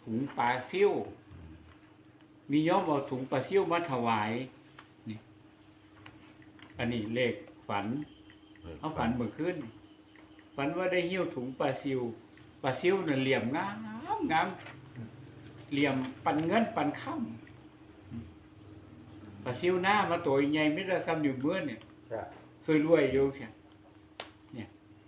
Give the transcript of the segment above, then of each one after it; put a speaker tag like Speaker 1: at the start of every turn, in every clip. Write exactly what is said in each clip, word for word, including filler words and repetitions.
Speaker 1: ถุงปลาซิ่วมีย่อมเอาถุงปลาซิ่วมาถวายนี่อันนี้เลขฝันเขาฝันเมื่อคืนฝันว่าได้หิ้วถุงปลาซิ่วปลาซิ่วน่ะเหลี่ยมงามงามเหลี่ยมปันเงินปันค่ำปลาซิ่วหน้ามาตัวใหญ่ไม่ได้ซ้ำอยู่เมื่อเนี่ยสวยรวยอยู่เสียเนี่ย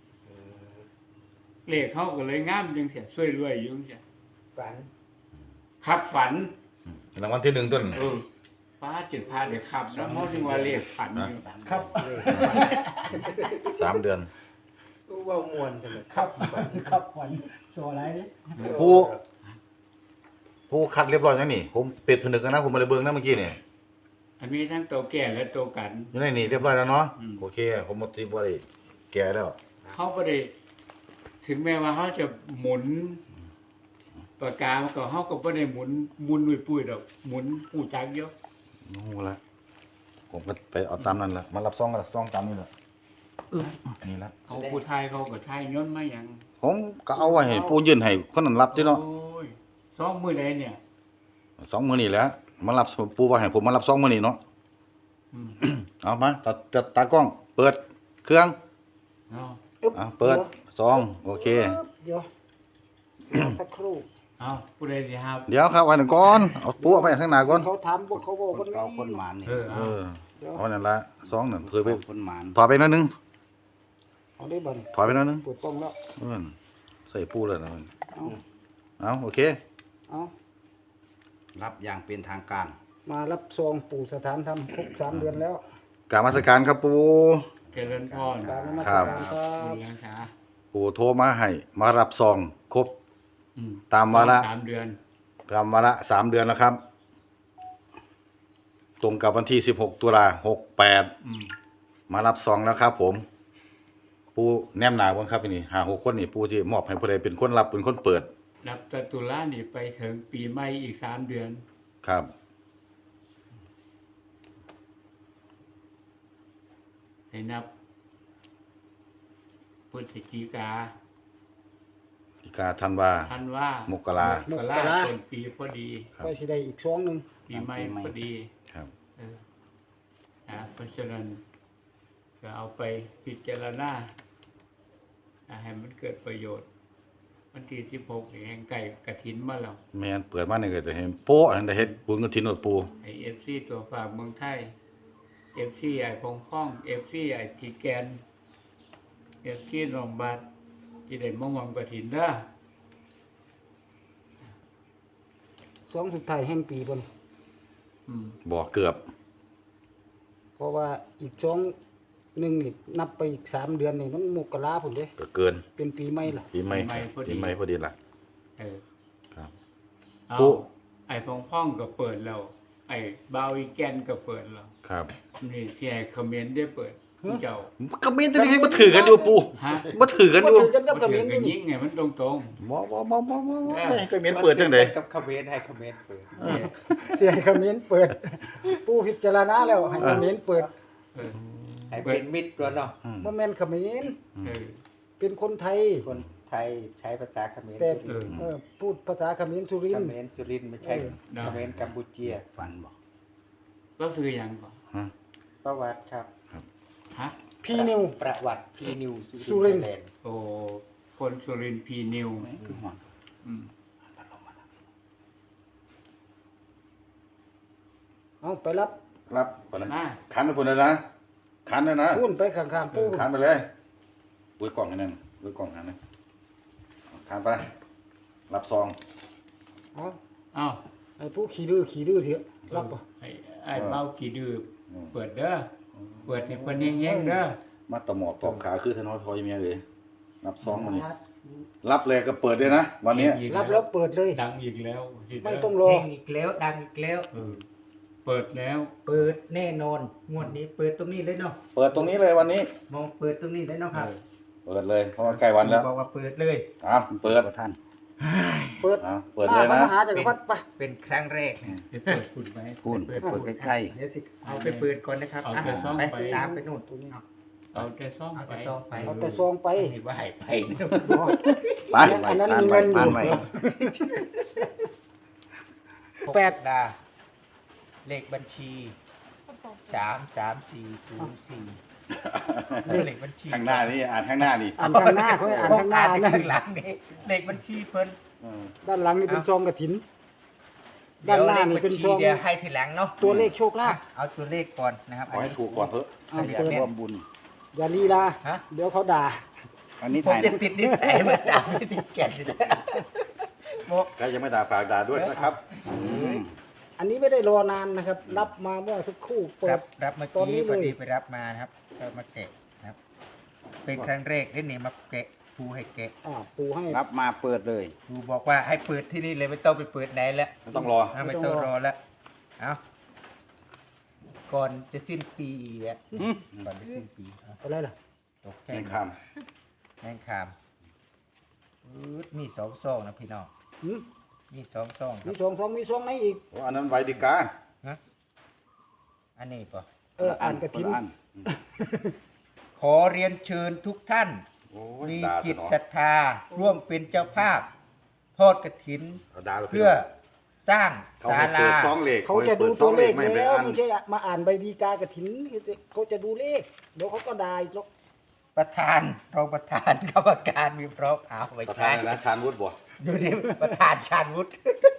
Speaker 1: เลขเขาก็เลยงามจังเสียสวยรวยอยู่เสีย
Speaker 2: ฝัน
Speaker 1: ครับฝัน
Speaker 3: รางวัลที่หนึ่งต้น
Speaker 1: เออป้าจุดพาเดี๋ยวขับแล้วเขาจึงว่าเลขฝันอยู่
Speaker 2: ครับ
Speaker 3: สามเดือน
Speaker 2: รู้ว่ามวนจังเลย
Speaker 4: ครับครับขวัญโซอะไรนี่
Speaker 3: ผู้ผู้คัดเรียบร้อยแล้วนี่ผมเป็ดผนึกกันนะผมมาเลยเบิ่งนะเมื่อกี้นี่
Speaker 1: อันนี้ทั้งตัวแก่และตัวกัน
Speaker 3: อยู่ในนี่เรียบร้อยแล้วเนาะ
Speaker 1: อืม
Speaker 3: โอเคผมหมดที่บ่ได้แก่แล้ว
Speaker 1: เขาไม่ได้ถึงแม้ว่าเขาจะหมุนปากกามันก็เขาก็ไม่ได้หมุนหมุนปุ้ยๆดอกหมุนปูจักเยอะ
Speaker 3: โอ้ละผมก็ไปเอาตามนั้นแหละมารับซองกันซองตามนี่แหละนี่ละ
Speaker 1: เขาผู้ไทยเขาก็ไทยย้อนมาอย่าง
Speaker 3: ผมก็เอาไว้ให้ผู้ยื่นให้คนนั้นรับที่เนาะ
Speaker 1: โอ้ยสองมือใดเนี่ย
Speaker 3: สองมื้อนี่แหละมารับผู้ว่าให้ผมมารับซองมื้อนี้เนาะ
Speaker 1: อืม
Speaker 3: เอามาตัดตัดตากล้อง เปิดเครื่อง
Speaker 1: เอา
Speaker 3: อ่ะเปิดซองโอเค
Speaker 2: เดี๋ยวสักครู่
Speaker 1: เอาผู้ใดสิครับ
Speaker 3: เดี๋ยวครับไว้หนึ่งก่อนเอาปูเอาไปข้างหน้าก่อน
Speaker 2: เขาถามบอกเขาบอก
Speaker 5: คนเก่าคนหมานนี่
Speaker 1: เออ
Speaker 3: เอ
Speaker 1: เอา
Speaker 3: อเอานั่นละซองนั่นเคยไป
Speaker 5: คนหมาน
Speaker 3: ถอยไปหนิดนึง
Speaker 2: เอาได้บัน
Speaker 3: ถอยไปหนิดนึง
Speaker 2: เปิดกล้องแล้ว
Speaker 3: เออใส่ปูเลยนะมัน
Speaker 2: เอา
Speaker 3: เอาโอเค
Speaker 2: เอา
Speaker 5: รับอย่างเป็นทางการ
Speaker 2: มารับซองปู่สถานธรรมครบสามเดือนแล้ว
Speaker 3: กราบนมัสการครับปู
Speaker 1: เจริญพร
Speaker 2: กรารนมัส
Speaker 3: ครั
Speaker 2: การ
Speaker 3: บ
Speaker 2: ครับ
Speaker 1: บุญรักษา
Speaker 3: ปูโทรมาให้มารับซองครบ
Speaker 1: อื
Speaker 3: ตามวาระ
Speaker 1: สามเดือน
Speaker 3: ตามวาระสามเดือนแล้วครับ ตรงกับวันที่สิบหกตุลาหกแปด
Speaker 1: อืม
Speaker 3: มารับซองแล้วครับ ผม ปูแนมหนาบ้างครับนี่หาหกคนนี่ปูที่มอบให้ผู้ใดเป็นคนรับเป็นคนเปิด
Speaker 1: รับตตุลานี่ไปถึงปีใหม่อีกสามเดือน
Speaker 3: ครับ
Speaker 1: ให้นับพฤศจิกา
Speaker 3: อีกาธันวา
Speaker 1: ธันวาม
Speaker 3: กรา
Speaker 1: มกราต้นปีพอดี
Speaker 3: ครับ
Speaker 2: ก็สิได้อีกซองหนึ่ง
Speaker 1: ปีใหม่พอดี
Speaker 3: ครับ
Speaker 1: เออนะเพราะฉะนั้นก็เอาไปพิจารณาอ่าให้มันเกิดประโยชน์ วันที่สิบหกนี่แห่งไก่กระถินมาแล้ว
Speaker 3: แม่นเปิดมานี่ก็จะเห็นโป๊ะอันใดเฮ็ดบุญกฐินอดปู
Speaker 1: ไอเอฟซีตัวฝากเมืองไทยเอฟซีไอพงพ้องเอฟซีไอทีแกนเอฟซีรองบัตที่ได้มองวังกระถินเด้อ
Speaker 2: ซองสุดท้ายแห่งปีบน
Speaker 1: อืม
Speaker 3: บ่เกือบ
Speaker 2: เพราะว่าอีกซองหนึ่งนี่นับไปอีกสามเดือนนี่มันมกราผมเด้
Speaker 3: ก็เกิน
Speaker 2: เป็นปีใหม่ล่ะ
Speaker 3: ปีใหม่ปีใหม่พอดีล่ะ
Speaker 1: เออ
Speaker 3: ครับ
Speaker 1: เอา
Speaker 3: ปุ๊
Speaker 1: ไอพงพ้องก็เปิดแล้ว ไอบาวอีแกนก็เปิดแล้ว
Speaker 3: ครับ
Speaker 1: นี่เสียคอมเมนต์ได้เปิดเจ้า
Speaker 3: ก็มีแต่นี่บ่ถือกันอยู่ปู
Speaker 1: ฮะ
Speaker 3: บ่ถือกันอยู่
Speaker 2: บ่ถือกัน
Speaker 1: ก็
Speaker 2: กับ
Speaker 1: ถื
Speaker 2: เขม
Speaker 1: อ
Speaker 2: ร
Speaker 1: กัน
Speaker 2: นี่
Speaker 1: ยิ่งไงมันตรงตรง
Speaker 3: บ่บ่บ่บ่บ่
Speaker 1: เออ
Speaker 3: ให้คอมเมนต์เปิดจังได๋
Speaker 5: กับคอมเมนต์ให้คอมเมนต์เปิด
Speaker 1: ๆเนี่ย
Speaker 2: เสียให้เขมรเปิด ผู้พิจารณาแล้วให้เขมรเปิด
Speaker 1: เออ
Speaker 5: ให้เป็นมิตรด้วยเนาะ
Speaker 3: อืม
Speaker 2: บ่แม่นเขมร
Speaker 1: เออ
Speaker 2: เป็นคนไทย
Speaker 5: คนไทยใช้ภาษาเขมร
Speaker 2: แต่
Speaker 5: สุรินทร์
Speaker 2: เออพูดภาษาเขมรสุริ
Speaker 5: เข
Speaker 2: นทร์
Speaker 5: มรสุรินทร์ไม่ใช่
Speaker 2: เออ
Speaker 1: ได้
Speaker 5: เขมรกัมพูเชียฟันบอก
Speaker 1: ก็ซื้อหยังก่อน
Speaker 3: ฮะ
Speaker 5: ประวัติครับ
Speaker 1: ฮะ
Speaker 2: พี่นิว
Speaker 5: ประวัติพีนิว
Speaker 2: สุ
Speaker 5: สุ
Speaker 2: ริ
Speaker 5: ริ
Speaker 2: น
Speaker 5: น
Speaker 2: ทร์
Speaker 5: ทร์แลนด์
Speaker 1: โอ้คนสุรินทร์พีนิว
Speaker 5: คือหอน
Speaker 1: อืม
Speaker 2: เอาไปรับ
Speaker 3: ครับปานนั้น
Speaker 1: มา
Speaker 3: คันไปพุ่นเลยนะคันเลยนะ
Speaker 2: พูนไปข้างๆปู่
Speaker 3: คันไปเลยอุ้ยกล่องให้นั่นอุ้ยกล่องให้นั่นคันไป รับซอง
Speaker 2: เอา
Speaker 1: เอ้า
Speaker 2: ไอ้ผู้ขี่ดื้อขี่ดื้อเถอะรับบ่
Speaker 1: ไอ้ไอ้เบ้ากี่ดื้อเปิดเด้อเปิดให้เพิ่นแห้งๆเด้อ
Speaker 3: มาตะหมอบตอบขาคือทน้อยพอยเมียเลยรับซองมานี่รับเลยก็เปิดเลยนะวันนี้
Speaker 1: อีก
Speaker 2: รับแล้วเปิดเลย
Speaker 1: ดังอีกแล้วสิเด้
Speaker 2: ไม่ต้องรอ
Speaker 5: เฮงอีกแล้วดังอีกแล้ว
Speaker 1: เออเปิดแล้ว
Speaker 5: เปิดแน่นอนงวดนี้เปิดตรงนี้เลยเนาะ
Speaker 3: เปิดตรงนี้เลยวันนี้
Speaker 5: มองเปิดตรงนี้เลยเนาะครับ
Speaker 3: เปิดเลยเพราะว่าใกล้วันแล้ว
Speaker 5: บอกว่าเปิดเลย
Speaker 3: อ่ะเปิด
Speaker 5: ท่าน
Speaker 2: เปิด
Speaker 3: อ่ะเปิดเลยนะ
Speaker 2: มหาจักรพรรดิไป
Speaker 5: เป็นครั้งแรก
Speaker 1: ไปเปิดคุณไหม
Speaker 5: พูดเปิดเปิดใกล้ๆเดี๋ยวสิเอาไปเปิดก่อนนะครับ
Speaker 1: เอา
Speaker 5: อ่ะ
Speaker 1: ไปซ่อม
Speaker 5: ไป
Speaker 1: ไป
Speaker 5: ตามไปนู่น
Speaker 2: ตรงนี้
Speaker 5: เอา
Speaker 1: เอาแต่ซ่อม
Speaker 5: เอา
Speaker 1: ไป
Speaker 5: แต่ซองไป
Speaker 2: เอาแต่ซองไป
Speaker 5: นี่ว่าให้ไปเนี่ย
Speaker 3: ไป
Speaker 2: อันนั้นมีเงินอยู่
Speaker 3: อ่านไว้
Speaker 2: แปด
Speaker 5: ดาเลขบัญชีสามสามสี่ศูนย์สี่เลขบัญชี
Speaker 3: ข้างหน้านี่อ่านข้างหน้านี่
Speaker 2: อ่านข้างหน้าเขาให้อ่านข้างหน้า
Speaker 5: อ่าน
Speaker 2: นั่น
Speaker 5: ข้างหลังนี่เลขบัญชีเพิ่น
Speaker 3: เออ
Speaker 2: ด้านหลังนี่เป็นซองกระถิน
Speaker 5: เดี๋
Speaker 2: ด้าน
Speaker 5: ยว
Speaker 2: หน้า
Speaker 5: เลข
Speaker 2: นี่
Speaker 5: บัญ
Speaker 2: เป็น
Speaker 5: ชี
Speaker 2: ซอง
Speaker 5: เดี๋ยวให้ทีหลังเนาะ
Speaker 2: ตัวเลขโชคลาภ
Speaker 5: เอาตัวเลขก่อนนะครับ
Speaker 3: ขอให้ถูกก่อนเถอะ
Speaker 2: อ่า
Speaker 5: เดี๋ยว
Speaker 2: เปิด
Speaker 5: เนี่ย
Speaker 3: ร่วมบุญ
Speaker 2: อย่าลีลา
Speaker 5: ฮะ
Speaker 2: เดี๋ยวเขาด่า
Speaker 3: อันนี้
Speaker 5: ผม
Speaker 3: ถ่าย
Speaker 5: จะติดนิสัยเหมาด่าไม่ติดแก่นนี่แหละโม
Speaker 3: ใครยังไม่ด่าฝากด่าด้วยนะครับอืม
Speaker 2: อันนี้ไม่ได้รอนานนะครับ รับมาเมื่อสักครู่เปิ
Speaker 5: รั
Speaker 2: ด
Speaker 5: บรับเมื่อ
Speaker 2: ตอนนี้
Speaker 5: กี้
Speaker 2: เลย
Speaker 5: พอดีไปรับมานะครับก็มาแกะนะครับ เป็นครั้งแรกที่นี่มาแกะครูให้แกะ
Speaker 2: อ่าปูให้
Speaker 6: รับมาเปิดเลย
Speaker 5: ครูบอกว่าให้เปิดที่นี่เลยไม่ต้องไปเปิดไหนแล้ว
Speaker 3: ไม่ต้องรอ
Speaker 5: อ่ะไม่ต้องรอแล้ว เอาก่อนจะสิ้นปีอ่ะก่อนจะสิ้นปีเอา
Speaker 2: อะไรล่ะ
Speaker 5: ตกใจ
Speaker 3: แข่ง
Speaker 5: หมด
Speaker 3: ค
Speaker 5: แมงคามอืดมีสองซองนะพี่น้อง
Speaker 2: หืม
Speaker 5: มีสองซองค
Speaker 2: มี
Speaker 5: รับ
Speaker 2: ซองซองมีซองไหนอีก
Speaker 3: ำโอ้อันนั้นไวดิกา
Speaker 5: ฮะอันนี้ป่ะ
Speaker 2: เอออ่านกระถิน
Speaker 6: คนละอัน
Speaker 5: ขอเรียนเชิญทุกท่าน
Speaker 3: โอ้ย
Speaker 5: มี
Speaker 3: ด่า
Speaker 5: จิต
Speaker 3: ซะหน่อย
Speaker 5: ศรัทธา ร่วมเป็นเจ้าภาพ ทอดกระถิน
Speaker 3: เอาด่าไป
Speaker 5: เพื่อสร้าง
Speaker 3: เขา
Speaker 5: ศา
Speaker 3: ให้
Speaker 5: ลา
Speaker 3: เปิดซองเหล็ก
Speaker 2: เขาจะดูตัวเลข
Speaker 3: ไม่ไป
Speaker 2: แล้ว
Speaker 3: อ่าน
Speaker 2: ไม่ใช่มาอ่านใบดีกากระถินเขาจะดูเลขเดี๋ยวเขาก็ด่าอีกหรอก
Speaker 5: ประธานรองประธานกรรมการมีพร้อมเอาไว้
Speaker 3: ประธา
Speaker 5: ใช้
Speaker 3: นอะไรนะชาญวุฒิบ่
Speaker 5: ดูดิประธานชาญวุฒิ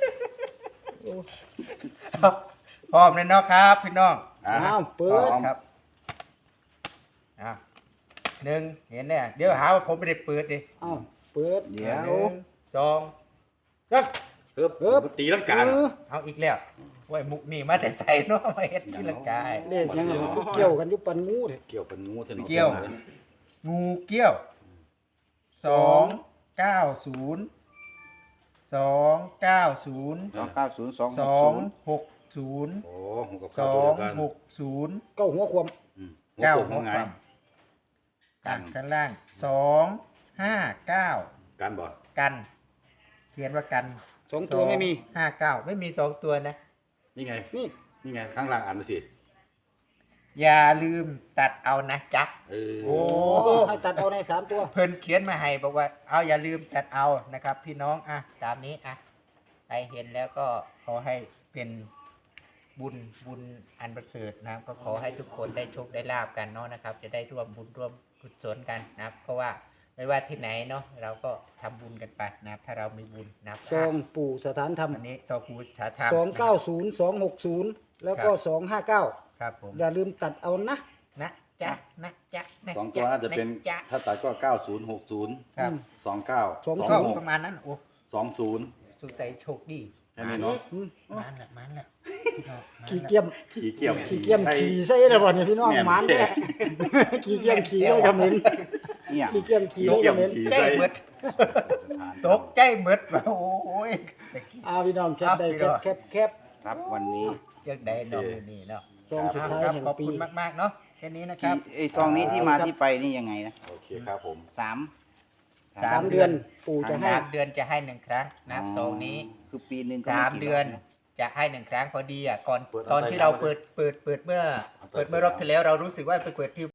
Speaker 5: เอาพร้อมเลยเนาะครับ พี่น้อง
Speaker 3: อ่ะ
Speaker 2: อ้าวเปิด
Speaker 5: ครับอ่ะหนึ่งเห็นเนี่ยเดี๋ยวหาว่าผมไม่ได้เปิดดิ
Speaker 2: อ้าวเปิด
Speaker 6: เดี๋ยว
Speaker 5: หนึ่งสองสาม
Speaker 3: เอิบ
Speaker 2: เอิบ
Speaker 3: ตีลังกา
Speaker 2: เออ
Speaker 5: เอาอีกแล้วไว้มุกนี่มาแต่ใส่เนาะมาเฮ็ดที่ละกาย
Speaker 2: เลขยังไงมันเกี่ยวกันอยุปันงูเลย
Speaker 3: เกี่ยวเป็นงูเถอะ
Speaker 5: เกี่ยว งูเกี้ยวสองเก้าศูนย์สองเก้าศูนย์
Speaker 6: สองเก้าศูนย์สองห
Speaker 5: ส
Speaker 6: ก
Speaker 5: อ
Speaker 6: ศู
Speaker 5: ง
Speaker 6: นย์
Speaker 5: หกศูนย์
Speaker 3: โอ้หูกับ
Speaker 5: ส
Speaker 3: ข้าว
Speaker 5: อ
Speaker 3: ตัว
Speaker 5: ง
Speaker 3: เดียวกัน
Speaker 5: หกศูนย์
Speaker 2: เก้าหัวความ
Speaker 3: อืม
Speaker 5: เก้า
Speaker 3: หัว
Speaker 5: หั
Speaker 3: หั
Speaker 5: ว
Speaker 3: วไง
Speaker 5: ความกันข้างล่างสองห้าเก้า
Speaker 3: กันบ่
Speaker 5: กัน เขียนว่ากัน
Speaker 2: สองตัวไม่มี
Speaker 5: ห้าเก้าไม่มีสองตัวนะ
Speaker 3: นี่ไง
Speaker 2: นี่
Speaker 3: นี่ไงข้างล่างอ่านมาสิ
Speaker 5: อย่าลืมตัดเอานะจ๊ะ
Speaker 3: เออ
Speaker 5: โอ้
Speaker 2: โอ้ให้ตัดเอาในสามตัว
Speaker 5: เพิ่นเขียนมาให้บอกว่า เอาอย่าลืมตัดเอานะครับ พี่น้องอ่ะตามนี้อ่ะใครเห็นแล้วก็ขอให้เป็นบุญบุญอันประเสริฐนะครับ ก็ขอให้ทุกคนได้โชคได้ลาบกันเนาะนะครับ จะได้ร่วมบุญร่วมกุศลกันนะครับเพราะว่าไม่ว่าที่ไหนเนาะเราก็ทำบุญกันไปนะครับ ถ้าเรามีบุญนะครับ
Speaker 2: ซองปู่สถานธรรม
Speaker 5: อันนี้ซอกูสถาธรรม
Speaker 2: สองเก้าศูนย์สองหกศูนย์แล้วก็สองห้าเก้า
Speaker 5: ครับผม
Speaker 2: อย่าลืมตัดเอานะ
Speaker 5: นะจ๊ะนะจ๊ะนะ
Speaker 3: สองตัวน่าจะเป็น
Speaker 5: จ๊ะ
Speaker 3: ถ้าตัดก็เก้าศูนย์หกศูนย์
Speaker 5: ครับ
Speaker 3: สองเก้า
Speaker 2: สอง
Speaker 3: ส
Speaker 5: ก็
Speaker 3: องหก
Speaker 5: ประมาณนั้นโอ้
Speaker 3: สองศูนย์
Speaker 5: สุขใจโชคดี
Speaker 3: แค่นี้เนาะ
Speaker 2: อืม
Speaker 5: มันละมันละ
Speaker 2: ขี่เกียม
Speaker 3: ขี่เกี่ยว
Speaker 2: ขี่เกียม
Speaker 3: ใส่
Speaker 2: ขี่ใส่ระบ่เนี่ยพี่น้อง
Speaker 3: แม่น
Speaker 2: หมานแท้ขี่เกียมขี่ได้คำนึง
Speaker 6: เนี่ย
Speaker 2: ขี่เกียมขี่
Speaker 3: ขี่
Speaker 2: ได้
Speaker 3: เกี่ยว
Speaker 2: คำนึง
Speaker 3: ขี่
Speaker 5: ใจ
Speaker 3: ใส่
Speaker 5: หมดตกใจหมดว่าโอ้ยตะกี้
Speaker 2: อาพี่น้องแคปได้แคปแคปแคป
Speaker 6: ครับวันนี้
Speaker 5: จังได้เนาะมื้อนี่เนาะ
Speaker 2: ซองสุดท้าย
Speaker 5: ครับ
Speaker 2: แห่ง
Speaker 5: ขอบ
Speaker 2: ปี
Speaker 5: คุณมากๆเนาะแค่นี้นะครับ
Speaker 6: ที่ไอ้ซองนี้ที่มาที่ไปนี่ยังไงนะ
Speaker 3: โอเคครับผม
Speaker 6: สาม
Speaker 5: สา
Speaker 2: สาม มเดือนปู่จะให้
Speaker 5: สามเดือนจะให้หนึ่งครั้งนะครับซองนี้
Speaker 6: คือปีหนึ่งก็
Speaker 5: สาม
Speaker 6: ไกี่
Speaker 5: เดือน
Speaker 6: รบะ
Speaker 5: จะให้หนึ่งครั้งพอดีอ่ะก่อน
Speaker 3: เปิด
Speaker 5: ตอน
Speaker 3: เอาไป
Speaker 5: ที่เรา
Speaker 3: เอาไป
Speaker 5: เปิดเปิดเปิดเมื่อ
Speaker 3: เอาไป
Speaker 5: เปิดเมื่อรอบที่แล้วเรารู้สึกว่าไปเปิดที่